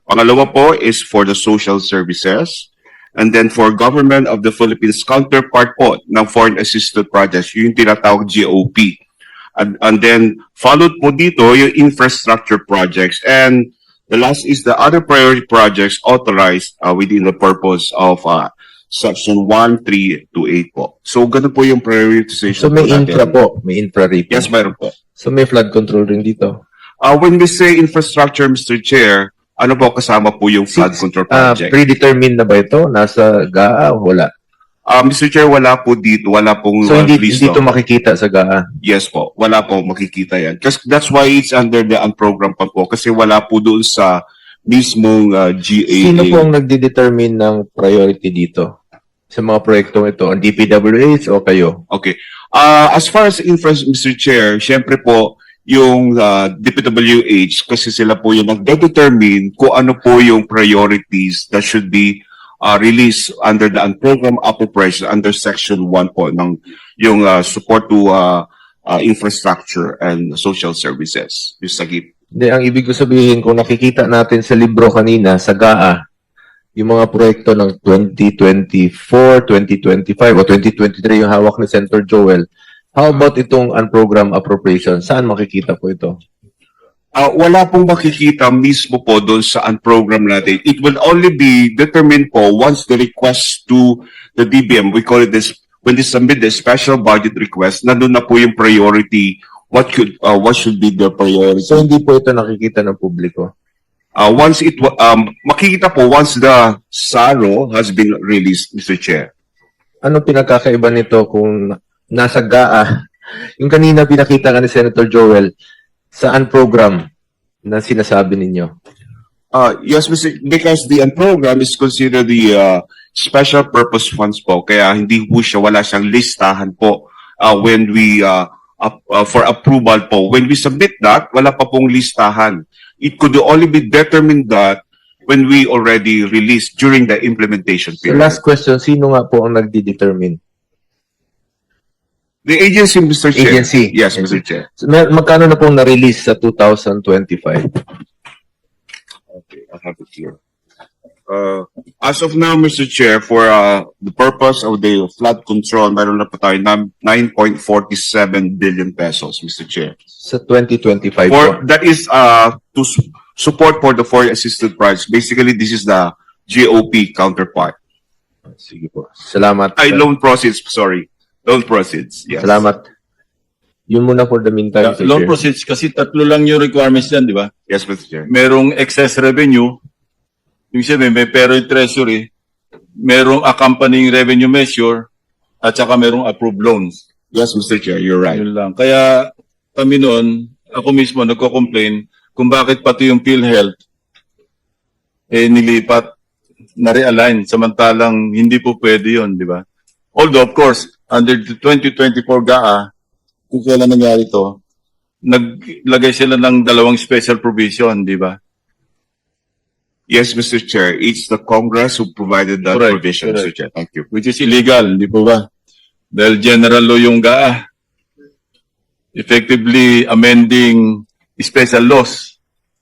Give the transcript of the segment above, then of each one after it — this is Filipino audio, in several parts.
Pangalawa po is for the social services. And then for Government of the Philippines, counterpart po ng Foreign Assisted Projects, yung tinatawag GOP. And then followed po dito yung infrastructure projects. And the last is the other priority projects authorized within the purpose of Section 1, 3 to 8 po. So, ganun po yung prioritization. So may po natin. infra po, may infra rate. Yes, mayroon po. So may flood control rin dito. When we say infrastructure, Mr. Chair, ano po kasama po yung flood control project? Predetermined na ba ito? Nasa GAA o wala? Mr. Chair, wala po dito. Wala pong So hindi listo. ito makikita sa GAA? Yes po. Wala po makikita yan. That's why it's under the unprogram pa po. Kasi wala po doon sa mismong GAA. Sino po ang nagde-determine ng priority dito? Sa mga proyektong ito? Ang DPWH o kayo? Okay. As far as Mr. Chair, syempre po, yung DPWH, kasi sila po yung nagde-determine kung ano po yung priorities that should be released under the program appropriation under Section 1 po ng yung support to infrastructure and social services. Yung SAGIP. Hindi, ang ibig ko sabihin, kung nakikita natin sa libro kanina, sa GAA, yung mga proyekto ng 2024, 2025, o 2023 yung hawak ni Senator Joel, how about itong unprogrammed appropriation? Saan makikita po ito? Wala pong makikita mismo po doon sa unprogram natin. It will only be determined po once the request to the DBM, we call it this, when they submit the special budget request, nandun na po yung priority, what should be the priority. So hindi po ito nakikita ng publiko? Makikita po once the SARO has been released, Mr. Chair. Ano pinagkakaiba nito kung nasa GAA? Yung kanina pinakita ka ni Senator Joel, sa unprogram na sinasabi ninyo? Yes, because the program is considered the special purpose funds po. Kaya hindi po siya, wala siyang listahan po when we, for approval po. When we submit that, wala pa pong listahan. It could only be determined that when we already released during the implementation So period. last question, sino nga po ang nagdi-determine? The agency, Mr. Chair. Agency. Yes, Mr. Chair. So, magkano na pong na-release sa 2025? Okay, I have it here. As of now, Mr. Chair, for the purpose of the flood control, meron na po tayo 9.47 billion pesos, Mr. Chair. Sa 2025 po. That is to support for the foreign assisted projects. Basically, this is the GOP counterpart. Sige po. Salamat. Loan proceeds, sorry. Loan proceeds, yes. Salamat. Yun muna for the meantime, Mr. Loan Chair. proceeds, kasi tatlo lang yung requirements yan, di ba? Yes, Mr. Chair. Merong excess revenue, yung sabihin, may pero yung treasury, merong accompanying revenue measure, at saka merong approved loans. Yes, Mr. Chair, you're right. Yun lang. Kaya kami noon, ako mismo nagko-complain kung bakit pati yung PhilHealth nilipat, na-realign, samantalang hindi po pwede yun, di ba? Although, of course, under the 2024 GAA, kung kailan nangyari to, naglagay sila ng dalawang special provision, di ba? Yes, Mr. Chair. It's the Congress who provided that Correct, provision, Mr. correct. Chair. Thank you. Which is illegal, di po ba? Dahil general law yung GAA. Effectively amending special laws.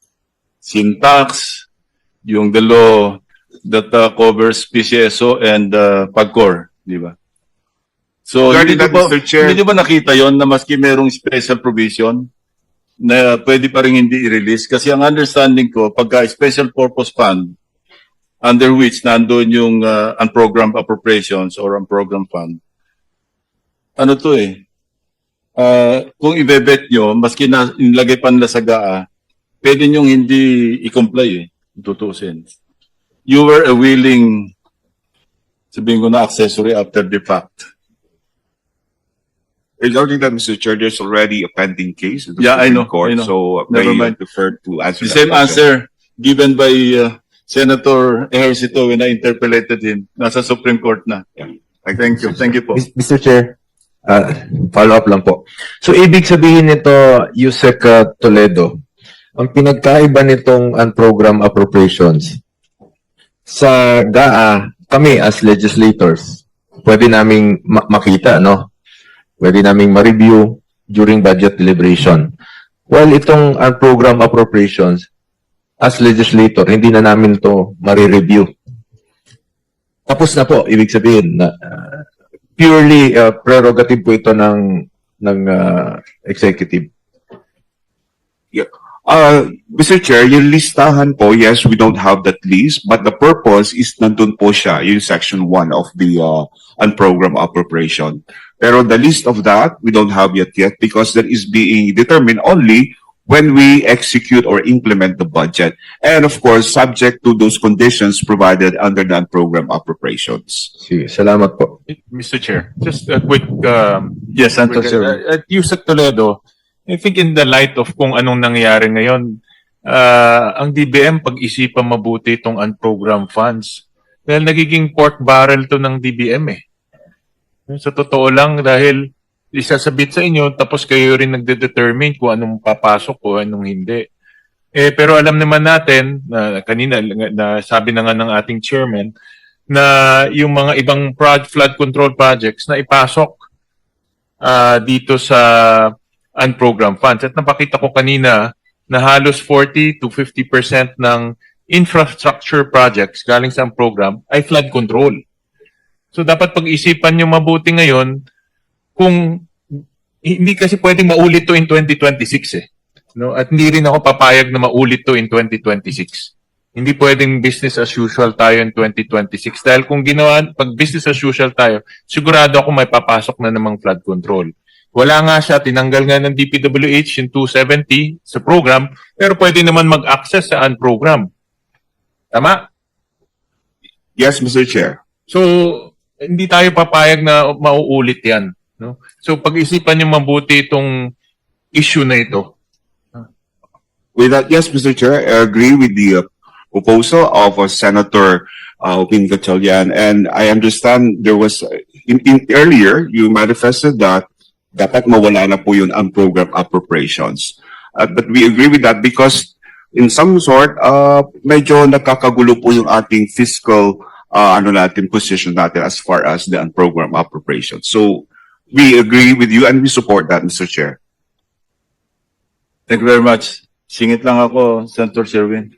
Syntax, yung the law that covers PCSO and PAGCOR, di ba? So, Regarding hindi that, ba, Mr. Chair. hindi ba nakita yon na maski merong special provision na pwede pa rin hindi i-release? Kasi ang understanding ko, pagka special purpose fund, under which nandoon yung unprogrammed appropriations or unprogrammed fund, ano to kung ibebet nyo, maski na inilagay pa nila sa GAA, pwede nyong hindi i-comply tutusin. You were a willing, sabihin ko na accessory after the fact. Regarding that, Mr. Chair, there's already a pending case in the Yeah, I Supreme know, Court, I know. so Never may mind. prefer to answer The that same question. answer given by Senator Ejercito when I interpolated him. Nasa Supreme Court na. Thank you. Thank you po. Mr. Chair, follow up lang po. So, ibig sabihin nito, Yusek Toledo, ang pinagkaiba nitong unprogrammed appropriations sa GAA, kami as legislators, pwede naming makita, no? Pwede naming ma-review during budget deliberation. While itong unprogrammed appropriations, as legislator, hindi na namin to marireview. Tapos na po, ibig sabihin na purely prerogative po ito ng executive. Mr. Chair, yung listahan po, yes, we don't have that list, but the purpose is nandun po siya, yung section 1 of the unprogrammed appropriation. Pero the list of that, we don't have yet because that is being determined only when we execute or implement the budget. And of course, subject to those conditions provided under the unprogrammed appropriations. Sige, salamat po. Mr. Chair, just a quick, Yes, Senator Sir. at Yusek Toledo, I think in the light of kung anong nangyayari ngayon, ang DBM pag-isipan mabuti itong unprogrammed funds. Dahil nagiging pork barrel to ng DBM eh. Sa totoo lang, dahil isasabit sa inyo, tapos kayo rin nagde-determine kung anong papasok o anong hindi. Pero alam naman natin, na kanina, na sabi na nga ng ating chairman, na yung mga ibang flood control projects na ipasok dito sa unprogrammed funds. At napakita ko kanina na halos 40 to 50% ng infrastructure projects galing sa program ay flood control. So dapat pag-isipan nyo mabuti ngayon kung hindi kasi pwedeng maulit to in 2026 eh. No? At hindi rin ako papayag na maulit to in 2026. Hindi pwedeng business as usual tayo in 2026 dahil kung ginawa, pag business as usual tayo, sigurado ako may papasok na namang flood control. Wala nga siya, tinanggal nga ng DPWH yung 270 sa program, pero pwede naman mag-access sa unprogram. Tama? Yes, Mr. Chair. So, hindi tayo papayag na mauulit yan. No? So, pag-isipan niyo mabuti itong issue na ito. With that, yes, Mr. Chair, I agree with the proposal of Senator Opin Gatchalian, and I understand there was, in earlier, you manifested that dapat mawala na po yung unprogrammed appropriations. But we agree with that because in some sort, medyo nakakagulo po yung ating fiscal position natin as far as the unprogrammed appropriations. So we agree with you and we support that, Mr. Chair. Thank you very much. Singit lang ako, Senator Sherwin.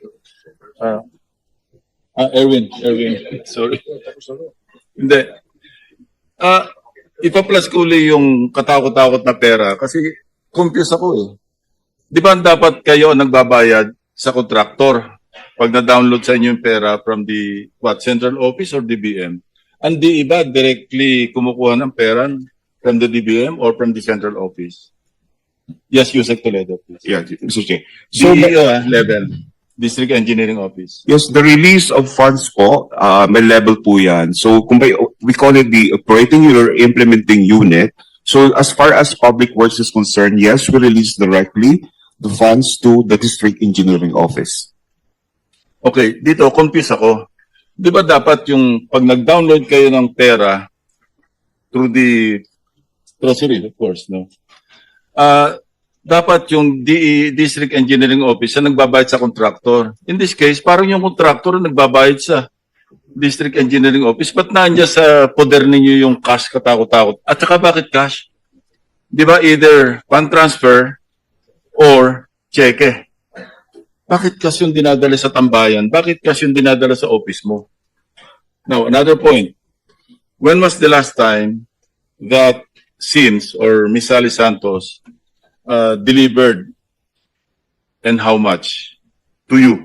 Erwin. Sorry. Hindi. Ipa-plus ko uli yung katakot-takot na pera kasi confused ako eh. Di ba dapat kayo nagbabayad sa contractor pag na-download sa inyo yung pera from the central office or DBM? Ang di iba directly kumukuha ng pera from the DBM or from the central office? Yes, Yusek Toledo, please. Yeah, Mr. Chair. So, DEO level, District Engineering Office. yes, the release of funds po, may level po yan. So, we call it the operating or implementing unit. So, as far as public works is concerned, yes, we release directly the funds to the District Engineering Office. Okay, dito, confused ako. Di ba dapat yung pag nag-download kayo ng pera through the treasury, of course, no? Dapat yung District Engineering Office na nagbabayad sa contractor. In this case, parang yung contractor nagbabayad sa District Engineering Office. Ba't nandiyan sa poder ninyo yung cash katakot-takot? At saka bakit cash? Di ba either fund transfer or cheque? Bakit cash yung dinadala sa tambayan? Bakit cash yung dinadala sa office mo? Now, another point. When was the last time that SINS or Miss Sally Santos delivered and how much to you?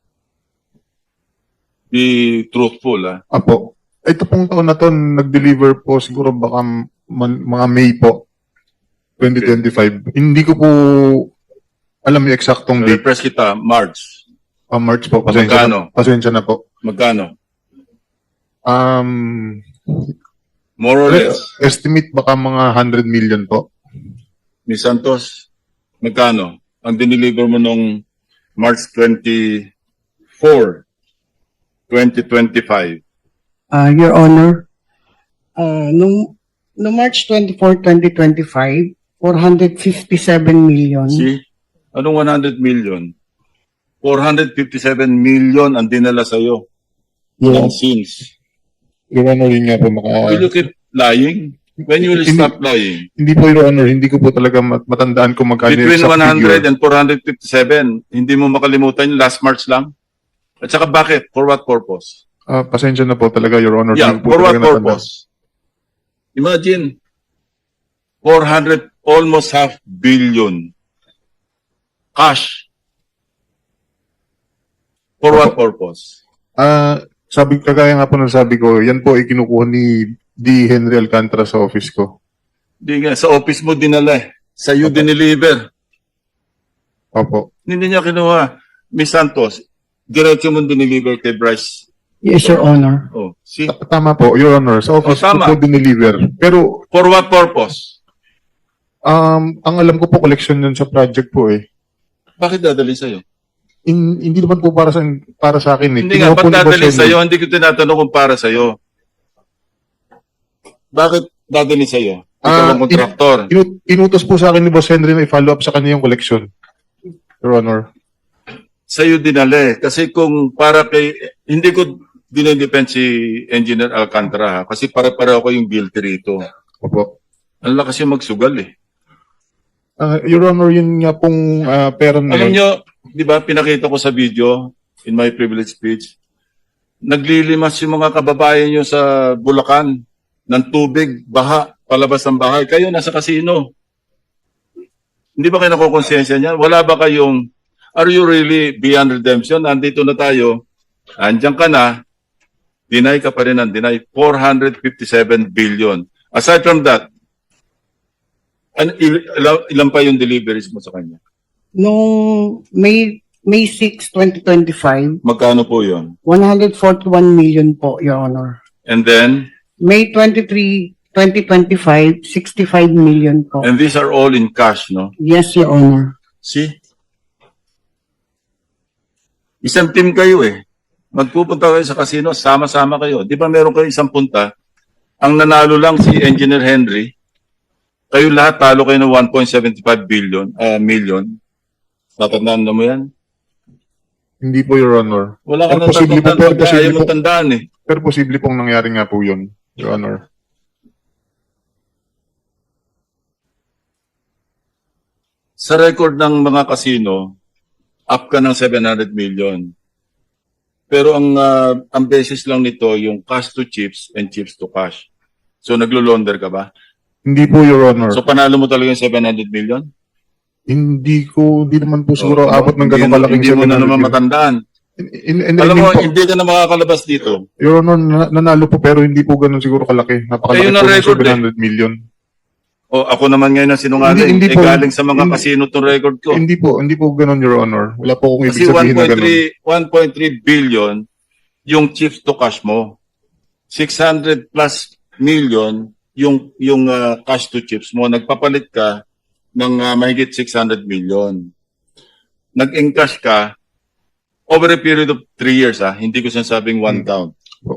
Be truthful, ah. Apo. Ito pong taon na to, nag-deliver po siguro baka mga May po, 2025. Hindi ko po alam yung eksaktong date. Repress kita, March. March po. Magkano? Pasensya na po. Magkano? Um, More or less. estimate baka mga 100 million po. Miss Santos, magkano? Ang dineliver mo nung March 24, 2025. Your Honor, no March 24, 2025, 457 million. See? Anong 100 million? 457 million ang dinala sa'yo. Ng Yes. SINS. Your Honor, yun nga po Will you keep lying? When you will Hindi- stop lying? Hindi po, Your Honor. Hindi ko po talaga matandaan kung magkano yung Between exact 100 figure. and 457, hindi mo makalimutan yung last March lang? At saka bakit? For what purpose? Pasensya na po talaga, Your Honor. Yeah, Hindi ko po for what talaga natandaan. purpose? Imagine, 400, almost half billion cash. For what purpose? Kagaya nga po ng sabi ko, yan po ay kinukuha ni D. Henry Alcantara sa office ko. Di nga, sa office mo dinala eh. Sa iyo dineliver. Opo. Hindi niya kinuha. Miss Santos, diretso mo dineliver kay Bryce. Yes, Your Honor. Oh, see? Tama po, Your Honor. Sa office Oh, tama. ko po dineliver. Pero, For what purpose? ang alam ko po, collection yun sa project po eh. Bakit dadali sa'yo? Hindi naman po para sa akin eh. Hindi nga, Kinuha po ba't ni Boss dadali Henry. sa'yo? Hindi ko tinatanong kung para sa'yo. Bakit dadali sa'yo? Ikaw ang kontraktor. Inutos po sa akin ni Boss Henry na i-follow up sa kanya yung collection. Your Honor. Sa'yo dinali. Kasi kung para kay... Hindi ko dinidepend si Engineer Alcantara ha? Kasi para-para ako yung guilty rito. Opo. Ang lakas yung magsugal eh. Your Honor, yun nga pong pera na Alam yun. nyo, di ba, pinakita ko sa video, in my privilege speech, naglilimas yung mga kababayan nyo sa Bulacan ng tubig, baha, palabas ng bahay. Kayo nasa kasino. Hindi ba kayo nakukonsensya niyan? Wala ba kayong, are you really beyond redemption? Nandito na tayo, andyan ka na, deny ka pa rin ng deny, 457 billion. Aside from that, ilan pa yung deliveries mo sa kanya? Noong May 6, 2025, Magkano po yun? 141 million po, Your Honor. And then, May 23, 2025, 65 million po. and these are all in cash, no? Yes, Your Honor. See? Isang team kayo eh. Magpupunta kayo sa casino, sama-sama kayo. Di ba meron kayo isang punta? Ang nanalo lang si Engineer Henry. Kayo lahat talo kayo ng 1.75 million. Tatandaan na mo yan? Hindi po, Your Honor. Wala ka Pero nang posible po, tatandaan pag posible ayaw mo po. tandaan eh. Pero posible pong nangyari nga po yun, Your Honor. Sa record ng mga casino, up ka ng 700 million. Pero ang basis lang nito yung cash to chips and chips to cash. So naglo-launder ka ba? Hindi po, Your Honor. So panalo mo talaga yung 700 million? Hindi naman po siguro Oo, abot ng ganong hindi kalaking mo na 700 naman yun. matandaan. And Alam mo, po, hindi ka na makakalabas dito. Your Honor, nanalo po pero hindi po ganun siguro kalaki. Napakalaki Kayo na po ng record 700 million. O ako naman ngayon ang sinungaling. Hindi po. Galing sa mga Hindi. casino tong record ko. Hindi po ganun, Your Honor. Wala po akong Kasi ibig sabihin na ganun. 1.3 billion yung chips to cash mo. 600 plus million yung cash to chips mo. Nagpapalit ka ng mahigit 600 million. Nag-encash ka over a period of 3 years. Hindi ko sinasabing one count.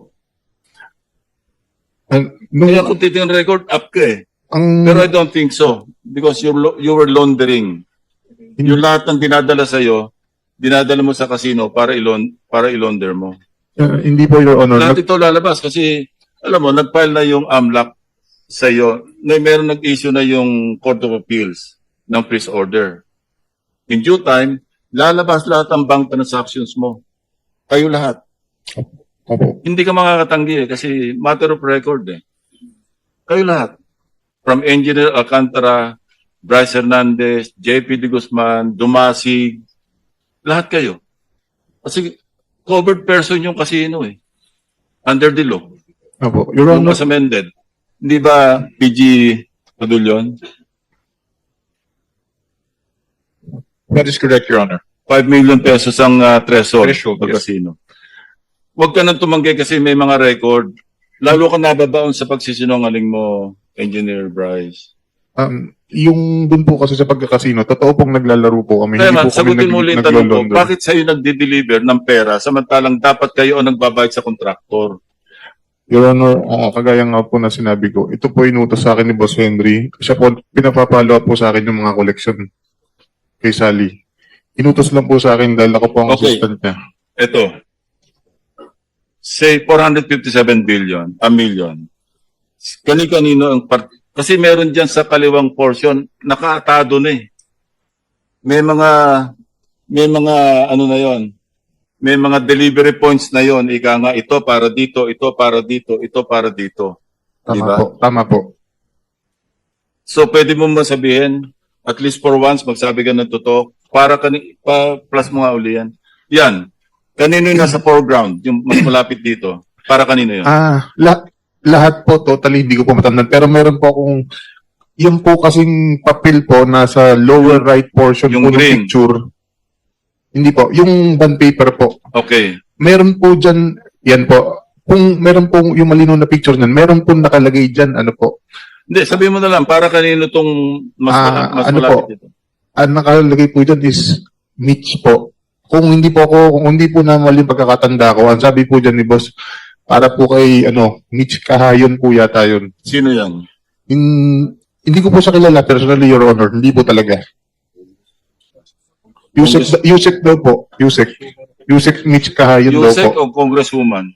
Kaya kung titingnan record, up ka eh. Pero I don't think so. Because you were laundering. Yung lahat ng dinadala sa'yo, dinadala mo sa casino para ilaunder mo. Hindi po, Your Honor. Lahat ito lalabas kasi, alam mo, nag-file na yung AMLAC sa'yo. Meron nag-issue na yung Court of Appeals ng freeze order. In due time, lalabas lahat ang bank transactions mo. Kayo lahat. Opo. Hindi ka makakatanggi eh, kasi matter of record eh. Kayo lahat. From Engineer Alcantara, Bryce Hernandez, JP De Guzman, Dumasig, lahat kayo. Kasi covered person yung casino eh. Under the law. Opo. Your Yung Honor, as amended. Hindi ba PG Padulyon? That is correct, Your Honor. 5 million pesos ang threshold Threshold, pag yes. casino. Huwag ka nang tumanggi kasi may mga record. Lalo ka nababaon sa pagsisinungaling mo, Engineer Bryce. yung dun po kasi sa pagkakasino, totoo pong naglalaro po kami. Kaya Hindi nga, po kami sagutin mo ulit ang tanong ko, naglo-launder. bakit sa'yo nagde-deliver ng pera samantalang dapat kayo ang nagbabayad sa kontraktor? Your Honor, kagaya nga po na sinabi ko, ito po inutos sa akin ni Boss Henry. Siya po, pinapapalo up po sa akin yung mga collection kay Sally. Inutos lang po sa akin dahil ako po ang Okay. assistant niya. Ito, say 457 million. Kani-kanino ang kasi meron dyan sa kaliwang portion, nakaatado na eh. May mga ano na yon, may mga delivery points na yon, ika nga, ito para dito, ito para dito, ito para dito. Tama Diba? po, tama po. So, pwede mo masabihin, at least for once, magsabi ka ng totoo, plus mo nga uli yan. Yan. Kanino yung nasa foreground, yung mas malapit dito? Para kanino yun? Lahat po, totally, hindi ko po matandaan. Pero meron po akong, yung po kasing papel po, nasa lower right portion Yung po ng green. picture. Hindi po, yung bond paper po. Okay. Meron po dyan, yan po, kung meron po yung malinaw na picture niyan, meron po nakalagay dyan, ano po, Hindi, sabihin mo na lang, para kanino tong mas ano malapit po? dito? ang nakalagay po dyan is Mitch po. Kung hindi po na mali pagkakatanda ko, ang sabi po dyan ni boss, para po kay, Mitch Kahayon po yata yun. Sino yan? Hindi ko po siya kilala personally, Your Honor. Hindi po talaga. Yusek daw po. Yusek Mitch Kahayon daw Yusek po. o Congresswoman?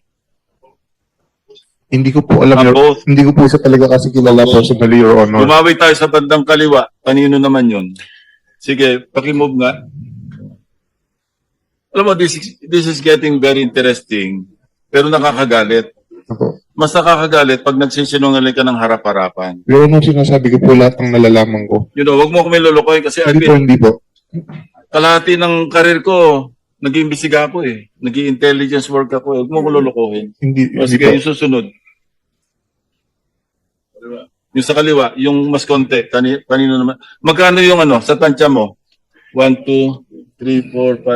Hindi ko po alam, Both. hindi ko po siya talaga kasi kilala personally, Your Honor. Bumawi tayo sa bandang kaliwa. Kanino naman yun? Sige, pakimove nga. Alam mo, this is getting very interesting, pero nakakagalit. Ako. Mas nakakagalit pag nagsisinungaling ka ng harap-harapan. Your Honor, sinasabi ko po lahat ng nalalaman ko. You know, wag mo kami lulukoy kasi Hindi po. kalahati ng karir ko, nag-iimbestiga ako eh. Nag-i-intelligence work ako. Huwag mo ko lulukohin. Hindi Sige, po. yung susunod. Yung sa kaliwa, yung mas konti, kanino naman. Magkano yung sa tansya mo? 1, 2, 3,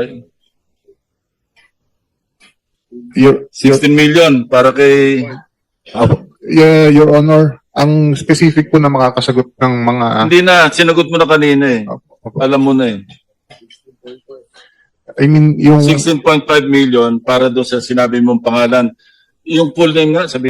4, 5, Your, 16 million para kay... Your Honor, ang specific po na makakasagot ng mga... Hindi na, sinagot mo na kanina eh. Alam mo na eh. I mean, yung... 16.5 million para doon sa sinabi mong pangalan. Yung full name nga, sabi